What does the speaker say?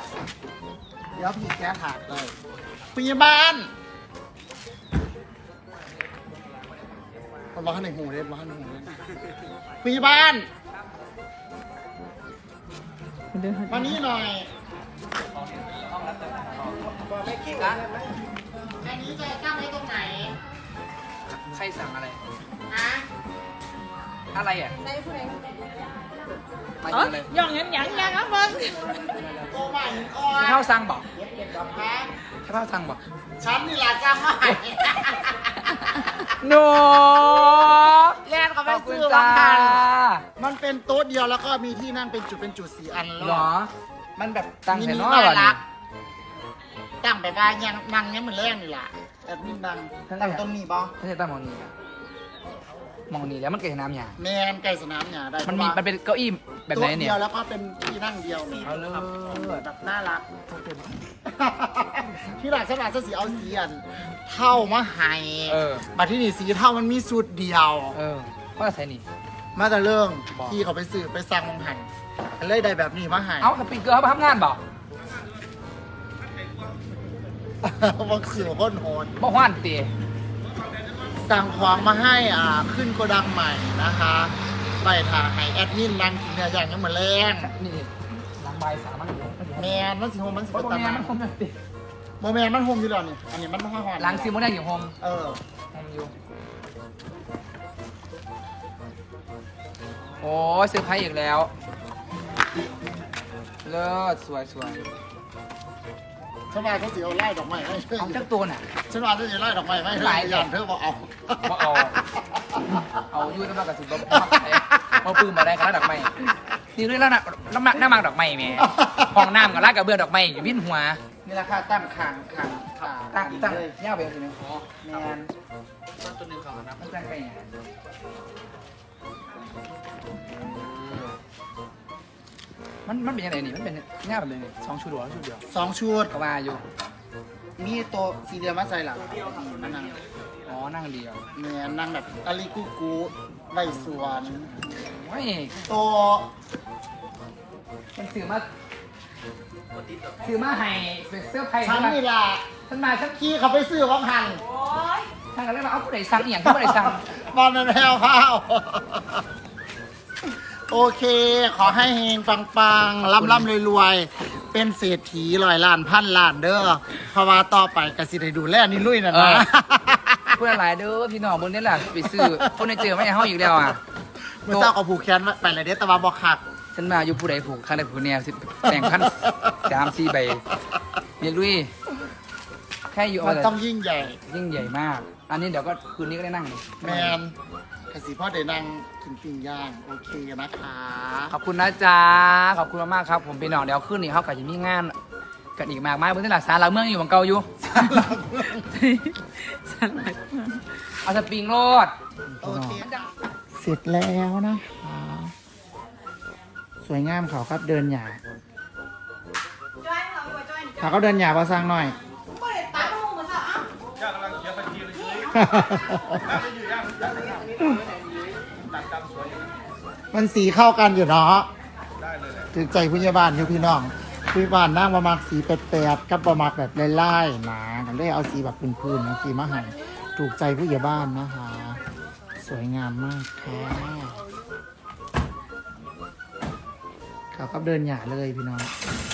เดี๋ยวพี่แกถากเลยพยาบาลมันร้อนในหูเลยร้อนในหูเลยพยาบาลมานี่หน่อยไม่คิดนะอันนี้จะตั้งไว้ตรงไหนใครสั่งอะไรฮะอะไรอ่ะได้ผู้ใดมาอยู่เลยย่องยังครับเบิ้งโอ้ไม่อ่อนข้าวสั่งบอกฮะข้าวสั่งบอกฉันนี่แหละจ้างมาให้โนแลนเขาไปซื้อมาพันมันเป็นโต๊ะเดียวแล้วก็มีที่นั่งเป็นจุด4 อันแล้วหรอมันแบบตั้งแต่น้อน่ารักตั้งแบบว่ายังนั่งยังเหมือนแรกนี่แหละแบบนี้นั่งตั้งต้นนี้บ่ไม่ใช่ตั้งมองนี้มองนี้แล้วมันเกิดน้ำยาแมนไก่สนามหญ้าได้มันเป็นเก้าอี้แบบไหนเนี่ยโต๊ะเดียวแล้วก็เป็นที่นั่งเดียวเนี่ยแบบน่ารักที่หลังฉันอาจจะสีเอาสีอันเท่ามาให้มาที่นี่สีเท่ามันมีสูตรเดียวก็ใส่นี่มาแต่เรื่องที่เขาไปซื้อไปสั่งมังหันเลยได้แบบนี้มาให้เอาสปริงเกอร์เขาไปทำงานบอกบางสื่อก้นโหดบอกว่านตีสั่งของมาให้ขึ้นโกดังใหม่นะคะไปถ่ายให้แอดมินนั่งกินเนื้อย่างยังเหมือนแรงนี่หลังใบสามันแมนมันสีโฮมมันสีตามันโฮมตีโมแมนมันโฮมอยู่แล้วนี่อันนี้มันไม่ค่อยหอนหลังซีโมได้อยู่โฮมโฮมอยู่โอ้เซอร์ไพรส์อีกแล้วเลิศสวยฉันว่าเขาสีเอาไล่ดอกไม้ให้เอาจักตัวน่ะฉันว่าเขาสีไล่ดอกไม้ให้หลายอย่างเธอบอกเอายุ่ยน้ำมันกับสิบลบมาปืนมาได้ขนาดดอกไม้นี่ด้วยแล้วน้ำมันดอกไม้แม่ห้องน้ำกับลาดกระเบื้องดอกไม้อยู่วิ่นหัวนี่ราคาตั้งตั้งเงี้ยไปใช่ไหมอ๋อแมนตัวนึงของนะมันตั้งไปไงมันเป็นยังไงนี่มันเป็นง่ายแบบนี้2 ชุดหรอชุดเดียว 2 ชุดก็มาอยู่มีตัวสีเดียวมาใส่หลังนั่งอ๋อนั่งเดียวเนี่ยนั่งแบบอาริกุกุใบสวนไม่ตัวมันถือมาให้เป็นเสื้อไผ่ฉันนี่ล่ะฉันมาฉันขี้เขาไปซื้อวังหันท่านก็เลยมาเอาผู้ใดสั่งอย่างผู้ใดสั่งบอลเป็นแพรวพาวโอเคขอให้เฮงปังร่ำรวยเป็นเศรษฐี100 ล้านพันล้านเด้อเพราะว่าต่อไปกสิได้ดูแลนี่ลุยนะพูดอะไรเด้อพี่น้องบนนี้แหละไปซื้อคนในเจอไม่ให้ห้องอีกแล้วเมื่อเช้าก็ผูกแขนไปเลยเด้อแต่ว่าบอกหักฉันมาอยู่ผู้ใดผูกข้างใดผูกเนี่ย1,000 3-4 ใบเมียลุยแค่อยู่มันต้องยิ่งใหญ่มากอันนี้เดี๋ยวก็คืนนี้ก็ได้นั่งแมนกสิพ่อเดี๋ยวนั่งกินปิ้งย่างโอเคนะคะขอบคุณนะจ๊ะขอบคุณมากครับผมพี่น้องเดี๋ยวขึ้นนี่เขากับจะมีงานกันอีกมากมายบนที่หลักศาลหลักเมืองอยู่บางเก่าอยู่ศาลหลักเมืองเอาสปริงโรดโอเคเสร็จแล้วนะคะสวยงามเขาครับเดินหยาเขาก็เดินหยาประสังหน่อยมันสีเข้ากันอยู่เนาะถึงใจพยาบาลอยู่พี่น้องพยาบาลนั่งประมาณสีแปดกับประมาณแบบไล่ๆนะกันได้เอาสีแบบพื้นๆนะสีมาให้ถูกใจพยาบาลนะคะสวยงามมากค่ะเขาก็เดินหยาเลยพี่น้อง